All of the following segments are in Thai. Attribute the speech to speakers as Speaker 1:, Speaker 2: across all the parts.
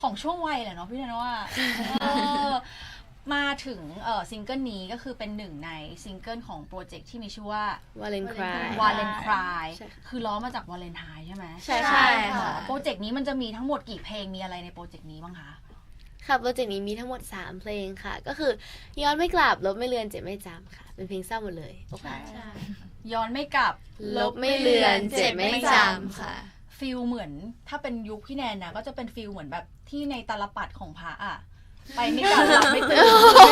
Speaker 1: ของช่วงวัยแหละเนาะพี่แนนว่ามาถึงซิงเกิลนี้ก็คือเป็นหนึ่งในซิงเกิลของโปรเจกต์ที่มีชื่อว่า
Speaker 2: Valentine
Speaker 1: Cry คือล้อมาจากวาเลนไทน์ใช่ไหม
Speaker 2: ใช่ค่ะ
Speaker 1: โปรเจกต์นี้มันจะมีทั้งหมดกี่เพลงมีอะไรในโปรเจกต์นี้บ้างคะ
Speaker 2: ค่ะโปรเจกต์นี้มีทั้งหมด3เพลงค่ะก็คือย้อนไม่กลับลบไม่เลือนเจ็บไม่จำค่ะเป็นเพลงเศร้าหมดเลย
Speaker 3: ใช่
Speaker 1: ย้อนไม่กลับ
Speaker 2: ลบไม่เลือนเจ็บไม่จำค่ะ
Speaker 1: ฟิลเหมือนถ้าเป็นยุคพี่แนนนะก็จะเป็นฟิลเหมือนแบบที่ในตาลปัดของพระอะไปไม่กลับหลับไม่ตื่น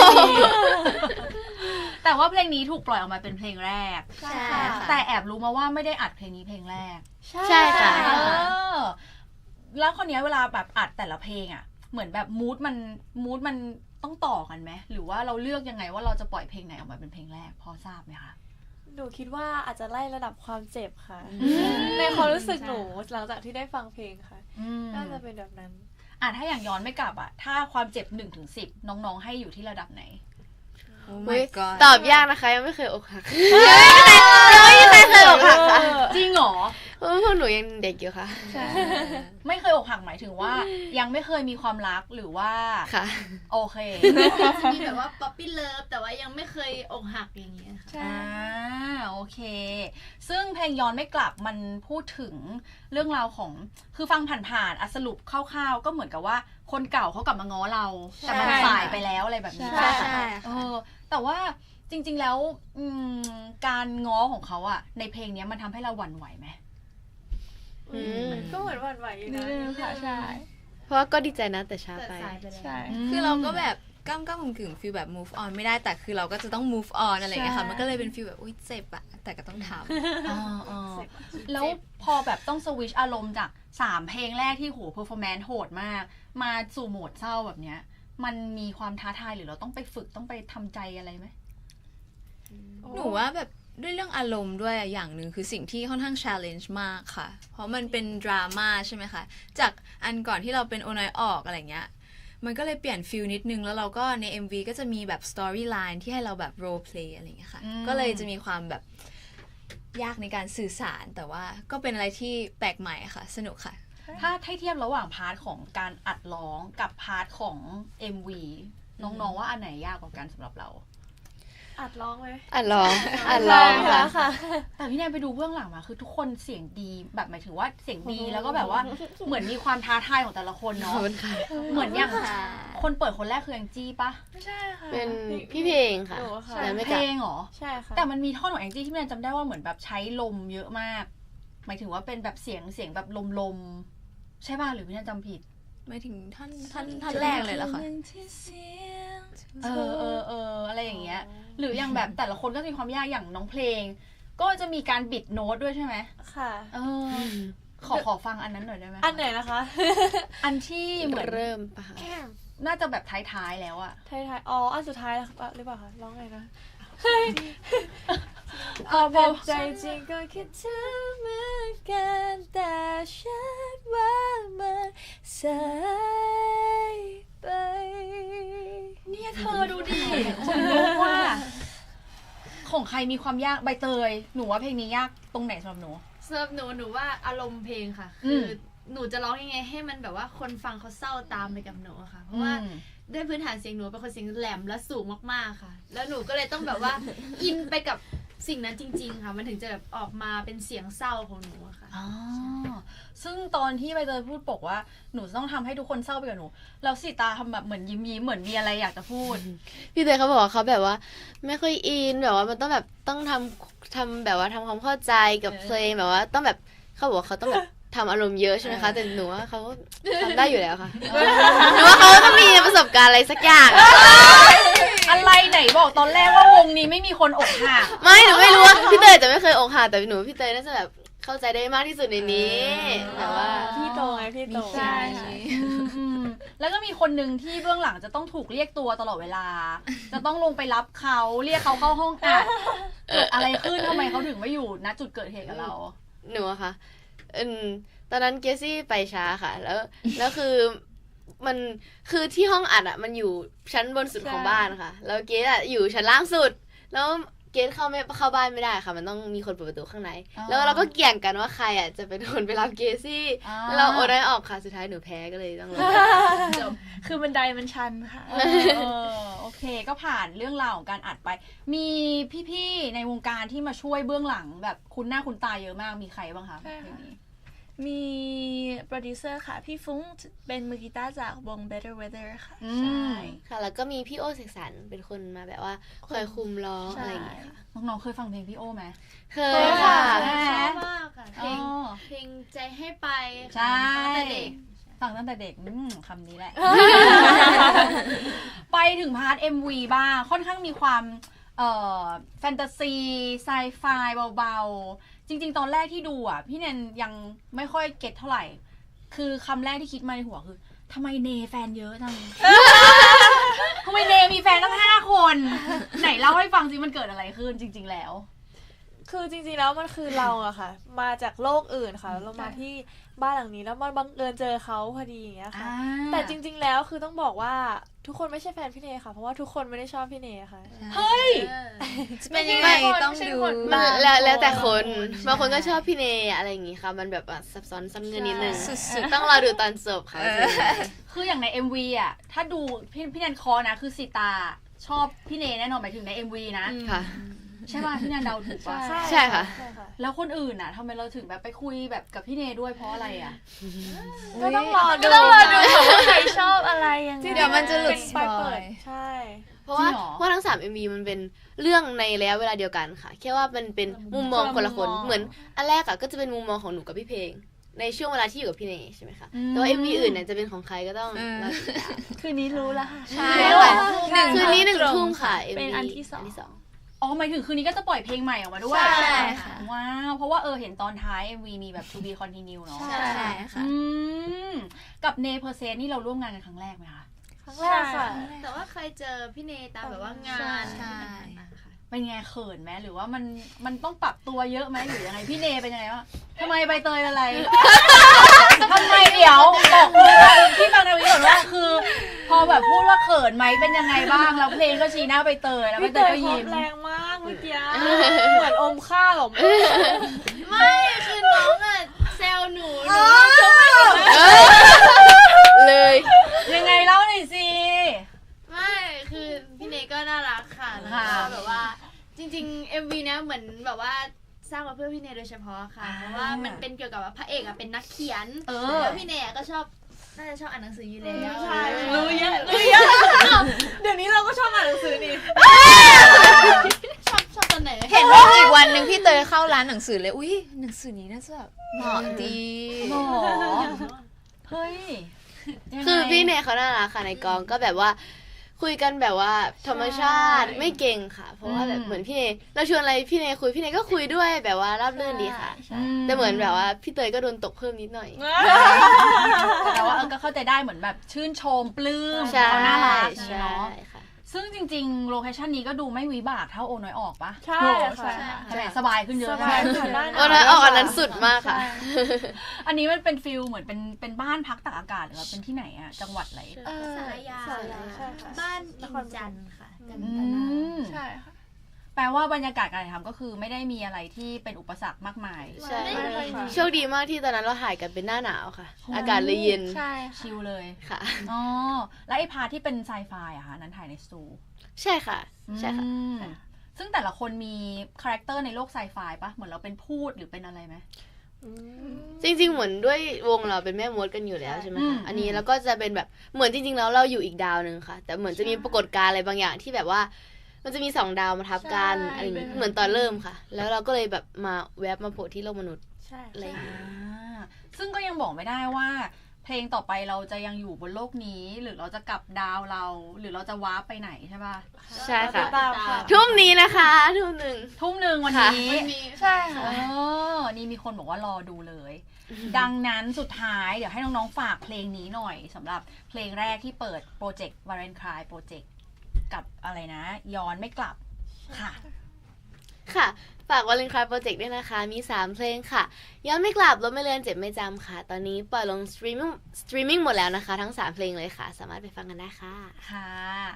Speaker 1: แต่ว่าเพลงนี้ถูกปล่อยออกมาเป็นเพลงแรก
Speaker 2: ใช่
Speaker 1: แต่แอบรู้มาว่าไม่ได้อัดเพลงนี้เพลงแรก
Speaker 2: ใช่ค่ะ
Speaker 1: แล้วคนนี้เวลาแบบอัดแต่ละเพลงอะเหมือนแบบมูดมันต้องต่อกันไหมหรือว่าเราเลือกยังไงว่าเราจะปล่อยเพลงไหนออกมาเป็นเพลงแรกพอทราบไหมคะ
Speaker 3: หนูคิดว่าอาจจะไล่ระดับความเจ็บค่ะในความรู้สึกหนูหลังจากที่ได้ฟังเพลงค่ะน่าจะเป็นแบบนั้น
Speaker 1: ถ้าอย่างย้อนไม่กลับถ้าความเจ็บ1-10น้องๆให้อยู่ที่ระดับไหน
Speaker 2: ตอบยากนะคะยังไม่เคยอกหักยังไม่เคยอกหักค่ะ
Speaker 1: จริงเหรอ
Speaker 2: เพราะพวกหนูยังเด็กอยู่ค่ะ
Speaker 1: ไม่เคยอกหักหมายถึงว่ายังไม่เคยมีความรักหรือว่า
Speaker 2: ค่ะ
Speaker 1: โอเค
Speaker 4: มีแบบว่าป๊อปปี้เลิฟแต่ว่ายังไม่เคยอกหักอย่างเงี้ยค่ะ
Speaker 1: โอเคซึ่งเพลงย้อนไม่กลับมันพูดถึงเรื่องราวของคือฟังผ่านๆสรุปคร่าวๆก็เหมือนกับว่าคนเก่าเขากลับมาง้อเราแต่มันสายไปแล้วอะไรแบบนี้
Speaker 2: ใช่
Speaker 1: แต่ว่าจริงๆแล้วการง้อของเขาในเพลงนี้มันทำให้เราหวั่นไหวไหม
Speaker 3: ก็เหมือนหวั่นไหวอยู่นะ
Speaker 4: ค่ะใช่
Speaker 2: เพราะว่าก็ดีใจนะแต่ช้าไป
Speaker 4: ใช่คือเราก็แบบก้ำกึ่งฟีลแบบ move on ไม่ได้แต่คือเราก็จะต้อง move on อะไรอย่างเงี้ยค่ะมันก็เลยเป็นฟีลแบบอุ้ยเจ็บอะแต่ก็ต้องท
Speaker 1: ำแล้วพอแบบต้องสวิชอารมณ์จาก3เพลงแรกที่โห performance โหดมากมาสู่โหมดเศร้าแบบเนี้ยมันมีความท้าทายหรือเราต้องไปฝึกต้องไปทำใจอะไรไหม
Speaker 4: หนูว่าแบบด้วยเรื่องอารมณ์ด้วยอย่างหนึ่งคือสิ่งที่ค่อนข้าง challenge มากค่ะเพราะมันเป็นดราม่าใช่ไหมคะจากอันก่อนที่เราเป็นโอน้อยออกอะไรเงี้ยมันก็เลยเปลี่ยนฟิลนิดนึงแล้วเราก็ใน MV ก็จะมีแบบ storyline ที่ให้เราแบบ role play อะไรเงี้ยค่ะก็เลยจะมีความแบบยากในการสื่อสารแต่ว่าก็เป็นอะไรที่แปลกใหม่ค่ะสนุกค่ะ
Speaker 1: ถ้าเทียบระหว่างพาร์ทของการอัดร้องกับพาร์ทของ MV น้องๆว่าอันไหนยากกว่ากันสำหรับเรา
Speaker 3: อัดร้องไหม
Speaker 2: อัดร้อง
Speaker 3: ค่ะ
Speaker 1: แต่พี่แนนไปดูเบื้องหลังมาคือทุกคนเสียงดีแบบหมายถึงว่าเสียงดีแล้วก็แบบว่าเหมือนมีความท้าทายของแต่ละคนเนาะเหมือนอย่างคนเปิดคนแรกคือแองจี้ปะ
Speaker 3: ไม่ใช่ค่ะ
Speaker 2: เป็นพี่เพลงค่ะ
Speaker 1: เพลงเหรอ
Speaker 3: ใช่ค่ะ
Speaker 1: แต่มันมีท่อนของแองจี้ที่พี่แนนจำได้ว่าเหมือนแบบใช้ลมเยอะมากหมายถึงว่าเป็นแบบเสียงแบบลมใช่ป่ะหรือพี่แนนจำผิด
Speaker 4: หมายถึงท่อนแรกเลยเหรอคะ
Speaker 1: อะไรอย่างเงี้ยหรืออย่างแบบแต่ละคนก็มีความยากอย่างน้องเพลงก็จะมีการบิดโน้ตด้วยใช่ไหม
Speaker 3: ค่ะ
Speaker 1: ขอฟังอันนั้นหน่อยได้ไหม
Speaker 3: อันไหนนะคะ
Speaker 1: อันที่เหมือน
Speaker 2: เริ่มปะ
Speaker 1: น่าจะแบบท้ายๆแล้วอะ
Speaker 3: ท้ายอ๋ออันสุดท้ายหรือเปล่าคะร้องไงนะ
Speaker 1: พอ
Speaker 3: ใจจริงก็คิดถึงเหมือนกันแต่ฉันว่ามันสายไป
Speaker 1: เนี่ยเธอดูดิคนรู้ว่าของใครมีความยากใบเตยหนูว่าเพลงนี้ยากตรงไหนสำหรับหนู
Speaker 4: หนูว่าอารมณ์เพลงค่ะคือหนูจะร้องยังไงให้มันแบบว่าคนฟังเขาเศร้าตามไปกับหนูค่ะเพราะว่าด้วยพื้นฐานเสียงหนูเป็นคนเสียงแหลมและสูงมากๆค่ะแล้วหนูก็เลยต้องแบบว่าอินไปกับสิ่งนั้นจริงๆค่ะมันถึงจะแบบออกมาเป็นเสียงเศร้าของหนูค่ะ
Speaker 1: ซึ่งตอนที่ใบเตยพูดบอกว่าหนูต้องทำให้ทุกคนเศร้าไปกับหนูแล้วสิตาทำแบบเหมือนยิ้มเหมือนมีอะไรอยากจะพูด
Speaker 2: พี่เตยเขาบอกว่าเขาแบบว่าไม่ค่อยอินแบบว่ามันต้องแบบต้องทำแบบว่าทำความเข้าใจกับเพลงแบบว่าต้องแบบเขาบอกว่าเขาต้องแบบทำอารมณ์เยอะใช่ไหมคะแต่หนูว่าเขาทำได้อยู่แล้วค่ะหนูว่าเขาต้องมีประสบการณ์อะไรสักอย่าง
Speaker 1: อะไรไหนบอกตอนแรกว่าวงนี้ไม่มีคนอกหัก
Speaker 2: ไม่หนูไม่รู้ว่าพี่เตยจะไม่เคยอกหักแต่หนูพี่เตยน่าจะแบบเข้าใจได้มากที่สุดในนี้แต่ว่า
Speaker 3: พี่โตไงพี่โต
Speaker 1: ใช่แล้วก็มีคนหนึ่งที่เบื้องหลังจะต้องถูกเรียกตัวตลอดเวลาจะต้องลงไปรับเขาเรียกเขาเข้าห้องอัดเกิดอะไรขึ้นทำไมเขาถึงไม่อยู่ณจุดเกิดเหตุกับเรา
Speaker 2: หนูอะค่ะตอนนั้นเกซี่ไปช้าค่ะแล้วคือมันคือที่ห้องอัดอะมันอยู่ชั้นบนสุดของบ้านค่ะแล้วเกสอะอยู่ชั้นล่างสุดแล้วเกณฑ์เข้าบ้านไม่ได้ค่ะมันต้องมีคนเปิดประตูข้างใน
Speaker 1: อ๋อ
Speaker 2: แล้วเราก็เกี่ยงกันว่าใครอ่ะจะเป็นคนไปรับเกซี่
Speaker 1: อ่า
Speaker 2: แล้วเราโอนได้ออกค่ะสุดท้ายหนูแพ้ก็เลยต้องลงจบ
Speaker 3: คือบันไดมันชันค่ะ
Speaker 1: โอเคก็ผ่านเรื่องราวของการอัดไป มีพี่ๆในวงการที่มาช่วยเบื้องหลังแบบคุณหน้าคุณตาเยอะมากมีใครบ้างคะ
Speaker 3: ใช่ค่ะ
Speaker 1: เพลงนี้
Speaker 3: มีโปรดิวเซอร์ค่ะ พี่ฟุ้งเป็นมือกีตาร์จากวง Better Weather ค่ะ
Speaker 1: อื
Speaker 3: ใช่
Speaker 1: ม
Speaker 2: ค่ะแล้วก็มีพี่โอเสกสรรเป็นคนมาแบบว่าคอยคุมร้อง
Speaker 3: ใช่
Speaker 2: อะไรอย่างเงี้ยค่ะ
Speaker 1: น้องๆเคยฟังเพลงพี่โอไหม
Speaker 2: เคยค่ะ
Speaker 5: ชอบมากค่ะเพลง
Speaker 1: อ๋อ
Speaker 5: เพลงใจให้ไป
Speaker 1: ใช่
Speaker 5: ค่ะตั้งแต่เด็ก
Speaker 1: ฟังตั้งแต่เด็กคำนี้แหละ ไปถึงพาร์ท MV บ้างค่อนข้างมีความแฟนตาซีไซไฟเบาๆ จริงๆ ตอนแรกที่ดูอ่ะ พี่แนนยังไม่ค่อยเก็ตเท่าไหร่ คือคำแรกที่คิดมาในหัวคือทำไมเนแฟนเยอะจัง ทำไมเนมีแฟนตั้ง5 คน ไหนเล่าให้ฟังสิมันเกิดอะไรขึ้นจริง ๆ แล้ว
Speaker 3: คือจริงๆแล้วมันคือเราอะค่ะ มาจากโลกอื่นค่ะแล้วเรามาที่บ้านหลังนี้แล้วมันบังเอิญเจอเขาพอดีอย่างเงี้ยค่ะ แต่จริงๆแล้วคือต้องบอกว่าทุกคนไม่ใช่แฟนพี่เนค่ะ เพราะว่าทุกคนไม่ได้ชอบพี่เนค่ะ
Speaker 1: เฮ้ย
Speaker 4: จะเป็นยังไงต้องดู
Speaker 2: มันแล้วแต่คนบางคนก็ชอบพี่เนอะไรอย่างงี้ค่ะ มันแบบว่าซับซ้อนซ้ำเงินนิดนึง
Speaker 4: สุด
Speaker 2: ต้องรอดูตอนจบค่ะ
Speaker 1: คืออย่างใน MV อ่ะ ถ้าดูพี่แนนคอนะ คือสีตาชอบพี่เนแน่นอนหมายถึงใน MV นะ
Speaker 2: ค่ะ
Speaker 1: ใช่ป่ะพี่แนนเดาถูกป่ะ
Speaker 2: ใช่ค่ะ
Speaker 3: ใช่ค่ะ
Speaker 1: แล้วคนอื่นอ่ะทำไมเราถึงแบบไปคุยแบบกับพี่เนด้วยเพราะอะไรอ่ะ
Speaker 3: ก็ต้องรอดูค่ะว่าใครชอบอะไรยังไง
Speaker 4: เดี๋ยวมันจะหลุด
Speaker 3: เป็นไปเปิด
Speaker 4: สปอย
Speaker 3: ใช่
Speaker 2: เพราะว่า
Speaker 1: จริงเหรอ
Speaker 2: เพราะทั้ง3 MV มันเป็นเรื่องในระยะเวลาเดียวกันค่ะ แค่ว่ามันเป็นมุมมองคนละคน เหมือนอันแรกอะก็จะเป็นมุมมองของหนูกับพี่เพลง ในช่วงเวลาที่อยู่กับพี่เนใช่ไหมคะ แต่ว่า MV อื่นเนี่ยจะเป็นของใครก็ต้องรอติดตาม
Speaker 3: คืนนี้รู้แล้วค่ะ
Speaker 2: ใช่
Speaker 3: ใช่
Speaker 2: คืนนี้1 ทุ่มค่ะ
Speaker 3: เป็น
Speaker 2: MV
Speaker 3: อันที่สอง
Speaker 1: อ๋อหมายถึงคืนนี้ก็จะปล่อยเพลงใหม่ออกมาด้วย
Speaker 3: ใช่ค่ะ
Speaker 1: ว้าวเพราะว่าเห็นตอนท้าย MV มีแบบ to be continue เนาะ
Speaker 3: ใช่
Speaker 4: ใช่ค่ะ
Speaker 1: อืมกับเนเพอร์เซนนี่เราร่วมงานกันครั้งแรกไหมคะ
Speaker 3: ครั้งแรกค่ะ
Speaker 5: แต่ว่าเคยเจอพี่เนตามแบบว่างาน
Speaker 4: ใช่
Speaker 1: เป็นไงเขินไหมหรือว่ามันต้องปรับตัวเยอะไหมหรือยังไงพี่เนเป็นยังไงวะทำไมใบเตยเป็นอะไร ทำไมเดี๋ยวบอกพี่ฟังในวิดีโอว่าคือ พอแบบพูดว่าเขินไหมเป็นยังไงบ้างแล้วเพลงก็ชี้หน้าใบเตยแล้วใบ
Speaker 3: พี่
Speaker 1: เต
Speaker 3: เต
Speaker 1: ย
Speaker 3: ย
Speaker 1: ก็
Speaker 3: เขา
Speaker 1: ยิ้ม
Speaker 3: แรงมากเมื่อกี้เหมือนอมข้าวออกมา
Speaker 5: ไม่คือน้องอะแซวหนู
Speaker 2: เลย
Speaker 1: ยังไงเล่าหน่อยสิ
Speaker 5: ไม่คือพี่เนก็น่ารักค่ะแล้ว
Speaker 1: ค่ะ
Speaker 5: ก็แบบว่าจริงๆ MV เนี้ยเหมือนแบบว่าสร้างมาเพื่อพี่เนโดยเฉพาะค่ะ เพราะว่ามันเป็นเกี่ยวกับว่าพระเอกอะเป็นนักเขียน แล้วพี่เนก็ชอบน่าจะชอบอ่านหนังสืออยู่แล้ว
Speaker 3: ใช่รู้เยอะเดี๋ยวนี้เราก็ชอบอ่านหนังสือนี่
Speaker 5: ชอบตอนไหน
Speaker 4: เห็นว่าอีกวันหนึ่งพี่เตยเข้าร้านหนังสือเลยอุ้ยหนังสือนี้น่าจะแบบเหมาะดี
Speaker 1: หรอเฮ้ยยังไง
Speaker 2: คือพี่เนเขาน่ารักค่ะในกองก็แบบว่าคุยกันแบบว่าธรรมชาติไม่เก่งค่ะ เพราะว่าแบบเหมือนพี่เนเราชวนอะไรพี่เนคุยพี่เนก็คุยด้วยแบบว่าราบรื่นดีค่ะ แต่เหมือนแบบว่าพี่เตยก็โดนตกเพิ่มนิดหน่อย
Speaker 1: แต่ว่าก็เข้าใจได้เหมือนแบบชื่นชมปลื้ม
Speaker 2: ใช่
Speaker 1: เขาน่ารัก
Speaker 2: ใช่
Speaker 1: เนาะ
Speaker 2: ค่ะ
Speaker 1: ซึ่งจริงๆ โลเคชันนี้ก็ดูไม่วิบากเท่าโอน้อยออกปะ
Speaker 3: ใช่ค่ะ
Speaker 1: ใช่ไหมสบายขึ้นเยอะ
Speaker 3: สบาย
Speaker 1: ใช่
Speaker 3: ค่ะ
Speaker 1: ไหม
Speaker 3: ได้
Speaker 2: โอ้นะออกอันนั้นสุดมากค่ะ
Speaker 1: อันนี้มันเป็นฟิลเหมือนเป็นบ้านพักตากอากาศหรือว่าเป็นที่ไหนอะจังหวัดอะไร
Speaker 5: สารยา
Speaker 3: สารยาใช่ค่ะ
Speaker 5: บ้านอินจันทร์ค่ะจัน
Speaker 1: อื
Speaker 5: ทนาม
Speaker 3: ใช่ค่ะ
Speaker 1: แปลว่าบรรยากาศการถ่ายทำก็คือไม่ได้มีอะไรที่เป็นอุปสรรคมากมาย
Speaker 2: ใช่
Speaker 3: ไม่เลยค่ะ
Speaker 2: โชคดีมากที่ตอนนั้นเราถ่ายกันเป็นหน้าหนาวค่ะ อากาศเลยเย็น
Speaker 3: ใช่
Speaker 1: ชิลเลย
Speaker 2: ค่ะ
Speaker 1: อ๋อแล้วไอ้พาร์ทที่เป็นไซไฟอะคะนั้นถ่ายในสตู
Speaker 2: ใช่ค่ะ ใช่ค่ะ
Speaker 1: อืมซึ่งแต่ละคนมีคาแรคเตอร์ในโลกไซไฟปะเหมือนเราเป็นพูดหรือเป็นอะไรไหม
Speaker 2: จริงๆ เหมือนด้วยวงเราเป็นแม่มดกันอยู่แล้วใช่ไหม
Speaker 1: อื
Speaker 2: คะ
Speaker 1: ม
Speaker 2: อันนี้เราก็จะเป็นแบบเหมือนจริงๆ แล้วเราอยู่อีกดาวหนึ่งค่ะ แต่เหมือนจะมีปรากฏการณ์อะไรบางอย่างที่แบบว่า มันจะมี2 ดาวมาทับกันอะไรอย่างงี้เหมือนตอนเริ่มค่ะ แล้วเราก็เลยแบบมาแวบมาโผล่ที่โลกมนุษย์
Speaker 3: ใช่
Speaker 2: อะไรอย่างงี้
Speaker 1: ซึ่งก็ยังบอกไม่ได้ว่า เพลงต่อไปเราจะยังอยู่บนโลกนี้ หรือเราจะกลับดาวเรา หรือเราจะวาร์ปไปไหนใช่ป่ะ
Speaker 2: ใช่ค่ะ
Speaker 3: ตามค่ะ
Speaker 2: ทุ่มนี้นะคะทุ่มหนึ่ง
Speaker 1: ทุ่มหนึ่งวัน
Speaker 2: ค่ะ
Speaker 1: นี้
Speaker 3: ใช่ค่ะ
Speaker 1: นี่มีคนบอกว่ารอดูเลย ดังนั้นสุดท้ายเดี๋ยวให้น้องๆฝากเพลงนี้หน่อยสำหรับเพลงแรกที่เปิดโปรเจกต์ Valentine Project กับอะไรนะ ย้อนไม่กลับค่ะ
Speaker 2: ค่ะ ฝากวาเลนไทน์โปรเจกต์ด้วยนะคะ มี 3 เพลงค่ะ ย้อนไม่กลับลบไม่เลือนเจ็บไม่จำค่ะ ตอนนี้ปล่อยลงสตรีมมิ่งหมดแล้วนะคะ ทั้ง 3 เพลงเลยค่ะ สามารถไปฟังกันได้ค่ะ
Speaker 1: ค่ะ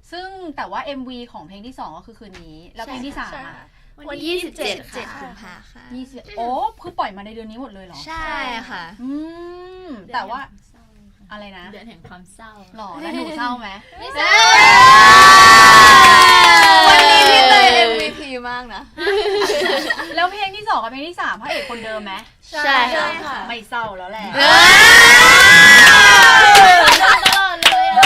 Speaker 1: ซึ่งแต่ว่า MV ของเพลงที่ 2 ก็คือคืนนี้ แล้วเพลงที่3อ่ะ
Speaker 5: วันที่
Speaker 4: 7
Speaker 5: ค่ะ
Speaker 4: กุมภาค่ะ
Speaker 1: 20โอ้คือปล่อยมาในเดือนนี้หมดเลยเหรอ
Speaker 4: ใช่ค่ะ
Speaker 1: แต่ว่าอะไรนะ
Speaker 5: เดือนแห่งความเศร้า
Speaker 1: หรอแล้วหนูเศร้าไหม
Speaker 5: ไม่เศร้า
Speaker 4: วันนี้พี่เตย MVP มากนะ
Speaker 1: แล้วเพลงที่ 2 กับเพลงที่ 3พระเอกคนเดิมไหม
Speaker 2: ใช่ค่ะ
Speaker 3: ค่ะ
Speaker 1: ไม่เศร้าแล้วแหละ
Speaker 5: ตลอดเลยอะ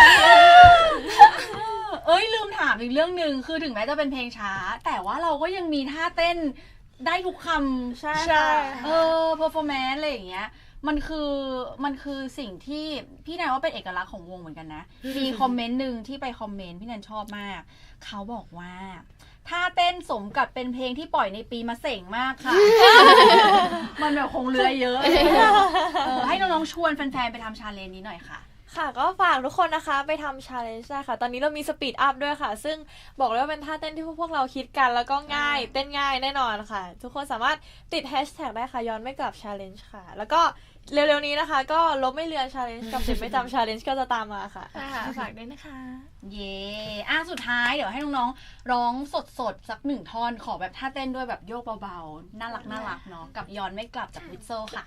Speaker 1: เอ้ยลืมถามอีกเรื่องหนึ่งคือถึงแม้จะเป็นเพลงช้า แต่ว่าเราก็ยังมีท่าเต้นได้ทุกคำ
Speaker 3: ใช่ค่ะ
Speaker 1: performance อะไรอย่างเงี้ยมันคือสิ่งที่พี่แนนว่าเป็นเอกลักษณ์ของวงเหมือนกันนะ มีคอมเมนต์หนึ่งที่ไปคอมเมนต์พี่แนนชอบมาก เขาบอกว่าท่าเต้นสมกับเป็นเพลงที่ปล่อยในปีมะเส็งมากค่ะ มันแบบคงเรือเยอะให้น้องๆชวนแฟนๆไปทำชาเลนจ์นี้หน่อยค่ะ
Speaker 3: ค่ะก็ฝากทุกคนนะคะไปทำ challenge ได้ค่ะ ตอนนี้เรามี speed up ด้วยค่ะ ซึ่งบอกเลยว่าเป็นท่าเต้นที่พวกเราคิดกันแล้วก็ง่ายเต้นง่ายแน่นอนค่ะ ทุกคนสามารถติด hashtag ได้ค่ะย้อนไม่กลับ challenge ค่ะ แล้วก็เร็วๆนี้นะคะ ก็ลบไม่เลือน challenge กับเจ็บไม่จำ challenge ก็จะตามมาค่ะ
Speaker 5: ฝากด้วยนะคะ
Speaker 1: เย่สุดท้ายเดี๋ยวให้น้องๆร้องสดๆสักหนึ่งท่อนขอแบบท่าเต้นด้วยแบบโยกเบาๆน่ารักเนาะกับย้อนไม่กลับจากวิทโซค่ะ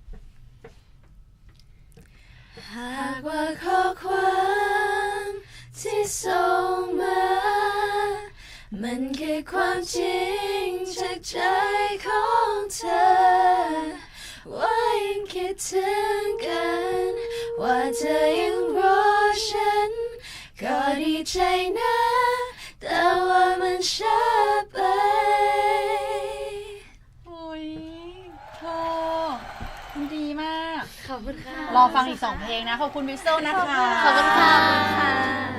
Speaker 4: หากว่าข้อความที่ส่งมา มันคือความจริงจากใจของเธอ ว่ายังคิดถึงกัน ว่าเธอยังรอฉัน ก็ดีใจนะ แต่ว่ามันช้าไป
Speaker 1: โอ้ยโธ่มันดีมาก
Speaker 2: ขอบคุณค่ะ
Speaker 1: รอฟังอีก 2 เพลงนะ ขอบคุณวิทโซนะคะ
Speaker 2: ขอบคุณค่ะ